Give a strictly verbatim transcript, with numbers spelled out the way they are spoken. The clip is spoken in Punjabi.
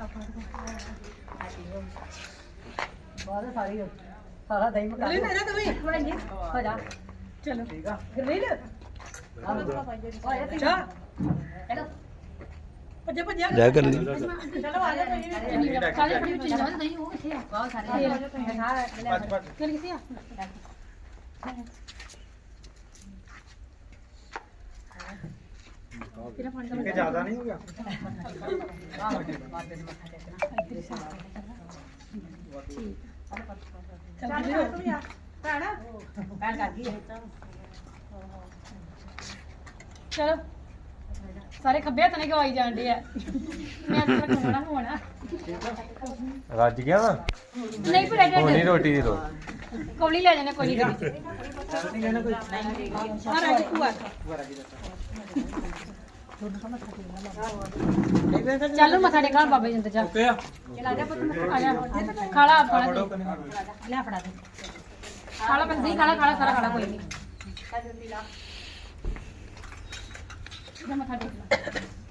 ਬਹੁਤ ਸਾਰੀ ਸਾਰਾ ਦਹੀਂ ਮਕਾ ਲੈ ਨਾ ਤੂੰ ਇੱਕ ਮਿੰਟ ਜੀ ਹੋ ਜਾ ਚਲੋ ਠੀਕ ਆ ਗਰਲੀਨ ਆਇਆ ਚਾ ਹੈਲੋ ਭੱਜੇ ਭੱਜੇ ਜਾ ਕਰ ਲਈ ਚਲੋ ਆ ਜਾ ਸਾਰੇ ਬੜੀ ਉੱਚੀ ਜਾਣ ਨਹੀਂ ਉਹ ਕਿੱਥੇ ਆ ਬਹੁਤ ਸਾਰੇ ਭੱਜ ਭੱਜ ਚੱਲ ਕਿੱਥੇ ਆ ਕਿਹੜਾ ਪਾਣੀ ਦਾ ਕਿ ਜ਼ਿਆਦਾ ਨਹੀਂ ਹੋ ਗਿਆ ਆਹ ਮਾਤੇ ਨੂੰ ਮੱਥਾ ਟੇਕਣਾ ਠੀਕ ਚੱਲ ਤੂੰ ਆ ਭੈਣ ਭੈਣ ਕਰ ਗਈ ਚਲੋ ਸਾਰੇ ਖੱਬੇ ਹੱਥ ਨੇ ਗਵਾਈ ਜਾਂਦੇ ਆ ਮੈਂ ਤਾਂ ਖਾਣਾ ਹੋਣਾ ਰੱਜ ਗਿਆ ਵਾ ਨਹੀਂ ਪਰ ਹੋਣੀ ਰੋਟੀ ਦੀ ਰੋ ਕੌਲੀ ਲੈ ਜਾਣਾ ਕੋਈ ਨਹੀਂ ਆ ਰਾਜੀ ਭੂਆ ਚੱਲ ਮੱਥਾ ਟੇਕਣ ਬਾਬਾ ਜੀ ਅੰਦਰ ਜਾ ਓਕੇ ਆ ਚਲ ਜਾ ਪੁੱਤ ਆ ਜਾ ਖਾਲਾ ਆਪਣਾ ਲੈ ਫੜਾ ਦੇ ਖਾਲਾ ਬੰਦੀ ਖਾਲਾ ਖਾਲਾ ਸਾਰਾ ਖਾਲਾ ਕੋਈ ਨਹੀਂ ਜਾ ਮੱਥਾ ਟੇਕ